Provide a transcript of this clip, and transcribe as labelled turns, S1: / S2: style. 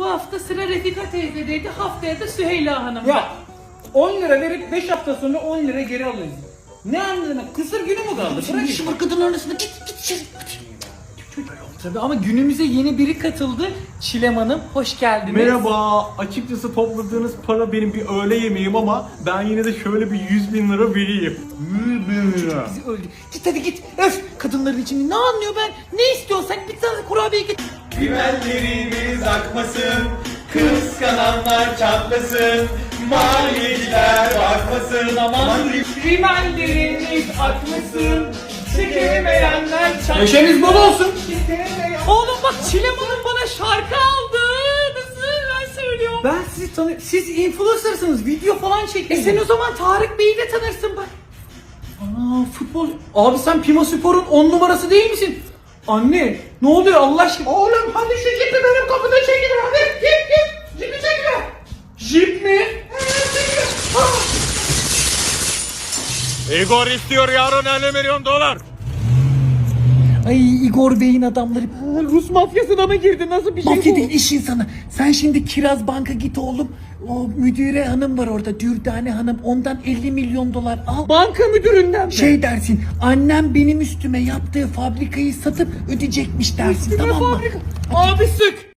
S1: hafta sıra Refika teyzedeydi, haftaya da Süheyla Hanım.
S2: Ya 10 lira verip 5 hafta sonra 10 lira geri alıyoruz. Ne anladın? Kısır günü mü kaldı? Bırak
S1: işim var kadın arasında, git içeri.
S2: Tabii ama günümüze yeni biri katıldı. Çilem Hanım, hoş geldiniz.
S3: Merhaba. Açıkçası topladığınız para benim bir öğle yemeğim ama ben yine de şöyle bir 100.000 lira vereyim. 100.000 lira.
S1: Bizi öldü. Git hadi git. Öf, kadınların içinde ne anlıyor ben? Ne istiyorsan bir tane kurabiye git.
S4: Rimellerimiz akmasın, kıskananlar çatlasın, maliyeciler bakmasın, aman
S1: Rimelleriniz akmasın, çekemeyenler çatlasın.
S2: Neşeniz bol olsun.
S1: Oğlum bak, Çilem Hanım bana şarkı aldı. Nasıl ben söylüyorum.
S2: Ben sizi tanıyorum. Siz influencer'sınız. Video falan çekiyorsunuz.
S1: Sen o zaman Tarık Bey'i de tanırsın bak.
S2: Aa, futbol. Abi sen Pima Spor'un 10 numarası değil misin? Anne ne oluyor Allah aşkına?
S1: Oğlum hadi şu cipi benim kapıda çekilir hadi. Git. Cipi çekilir.
S2: Jip mi?
S3: Igor istiyor yarın 50 milyon dolar.
S1: Ay, Igor Bey'in adamları.
S2: Rus mafyasına mı girdi? Nasıl bir şey
S1: Mafya
S2: bu?
S1: değil, iş insanı. Sen şimdi Kiraz Bank'a git oğlum. O müdüre hanım var orada, Dürdane Hanım. Ondan 50 milyon dolar al.
S2: Banka müdüründen mi?
S1: Şey dersin, annem benim üstüme yaptığı fabrikayı satıp ödeyecekmiş dersin, tamam mı?
S2: Abi sık.